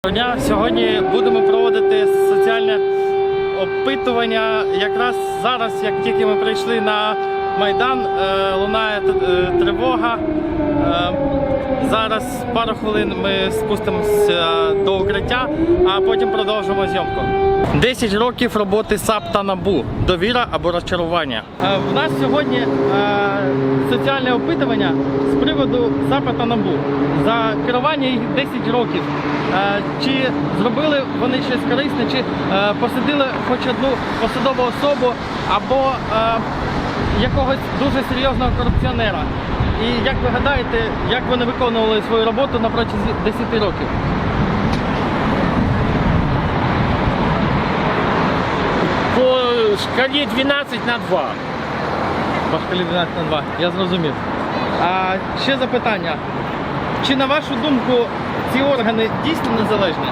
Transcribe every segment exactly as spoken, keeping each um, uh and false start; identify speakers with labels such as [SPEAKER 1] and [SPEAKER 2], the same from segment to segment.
[SPEAKER 1] Дня. Сьогодні будемо проводити соціальне опитування. Якраз зараз, як тільки ми прийшли на Майдан, лунає тривога. Зараз пару хвилин ми спустимося до укриття, а потім продовжимо зйомку. десять років роботи САП та НАБУ. Довіра або розчарування. У нас сьогодні соціальне опитування з приводу САПа та НАБУ. За керування їх десять років. Чи зробили вони щось корисне, чи посадили хоч одну посадову особу або якогось дуже серйозного корупціонера. І як ви гадаєте, як вони виконували свою роботу на протязі десяти років?
[SPEAKER 2] По шкалі дванадцять на два.
[SPEAKER 1] По шкалі дванадцять на два, я зрозумів. А ще запитання. Чи на вашу думку ці органи дійсно незалежні?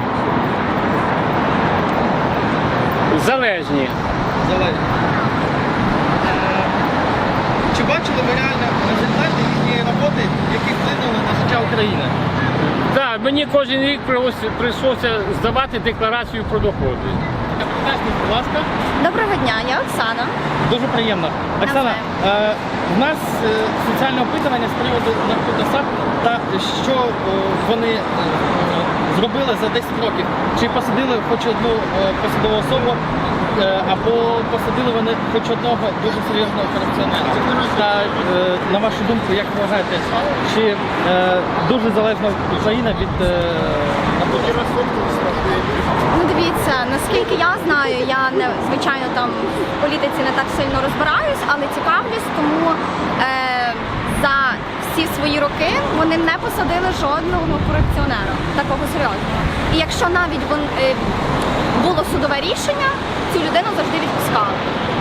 [SPEAKER 2] Залежні.
[SPEAKER 1] Залежні. Е, Чи бачили ви реально результати їхньої роботи, які вплинули на життя України?
[SPEAKER 2] Так, мені кожен рік прийшлося здавати декларацію про доходи.
[SPEAKER 1] Представтесь, будь ласка.
[SPEAKER 3] Доброго дня, я Оксана.
[SPEAKER 1] Дуже приємно. Оксана, е, в нас е, соціальне опитування з приводу наркоту САП та що е, вони е, зробили за десять років. Чи посадили хоч одну е, посадову особу, е, або посадили вони хоч одного дуже серйозного корупціонера. Та е, на вашу думку, як ви вважаєте, чи е, дуже залежна Україна від е, наркотиків?
[SPEAKER 3] Ну дивіться, наскільки я знаю, я не звичайно там в політиці не так сильно розбираюсь, але цікавлюсь, тому е, за всі свої роки вони не посадили жодного корупціонера, такого серйозного. І якщо навіть вон, е, було судове рішення, цю людину завжди відпускали.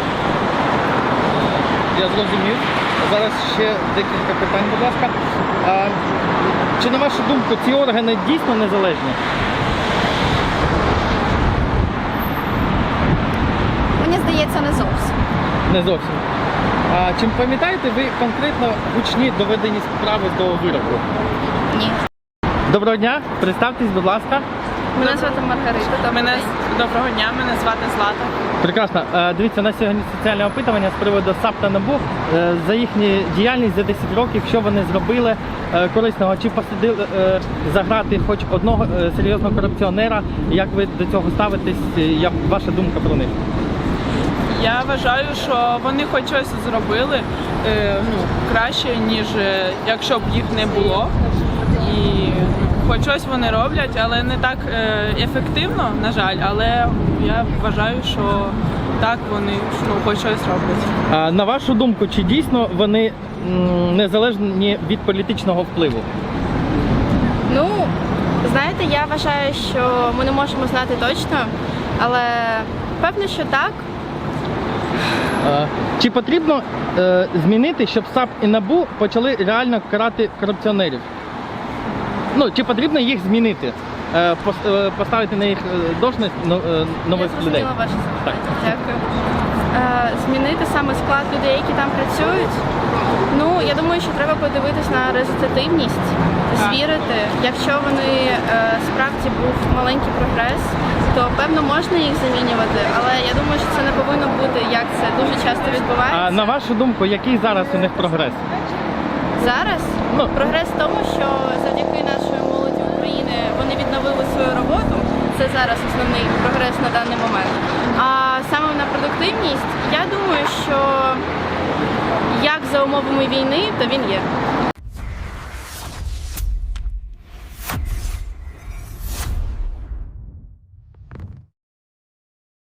[SPEAKER 1] Я зрозумів. Зараз ще декілька питань, будь ласка. А, чи на вашу думку ці органи дійсно незалежні?
[SPEAKER 3] Мені здається, не зовсім.
[SPEAKER 1] Не зовсім. А чим пам'ятаєте ви конкретно гучні доведені справи до вироку?
[SPEAKER 3] Ні.
[SPEAKER 1] Доброго дня, представтесь, будь ласка.
[SPEAKER 4] Мене звати Маргарита. Мене доброго дня, мене звати Злата.
[SPEAKER 1] Прекрасно. Е, Дивіться, у нас сьогодні соціальне опитування з приводу САП та НАБУ. Е, За їхню діяльність за десять років, що вони зробили е, корисного, чи посадили е, за грати хоч одного е, серйозного корупціонера, як ви до цього ставитесь, як ваша думка про них?
[SPEAKER 4] Я вважаю, що вони хоч щось зробили е, ну, краще, ніж е, якщо б їх не було. І хоч щось вони роблять, але не так е, ефективно, на жаль, але я вважаю, що так вони ну, хоч щось роблять.
[SPEAKER 1] А на вашу думку, чи дійсно вони м, незалежні від політичного впливу?
[SPEAKER 5] Ну, знаєте, я вважаю, що ми не можемо знати точно, але певно, що так.
[SPEAKER 1] А, Чи потрібно е, змінити, щоб САП і НАБУ почали реально карати корупціонерів? Ну, чи потрібно їх змінити? Е, пос- е, поставити на їх е, должність но- е, нових
[SPEAKER 5] Я
[SPEAKER 1] людей?
[SPEAKER 5] зрозуміла ваше
[SPEAKER 1] Так.
[SPEAKER 5] запитання. Дякую. Е, змінити саме склад людей, які там працюють. Ну, я думаю, що треба подивитись на результативність, звірити. Якщо вони е, справді був маленький прогрес, то певно можна їх замінювати, але я думаю, що це не повинно бути, як це дуже часто відбувається.
[SPEAKER 1] А на вашу думку, який зараз у них прогрес?
[SPEAKER 5] Зараз
[SPEAKER 1] Ну.
[SPEAKER 5] прогрес в тому, що завдяки нашої молоді України вони відновили свою роботу. Це зараз основний прогрес на даний момент. А саме на продуктивність, я думаю, що як за умовами війни, то він є.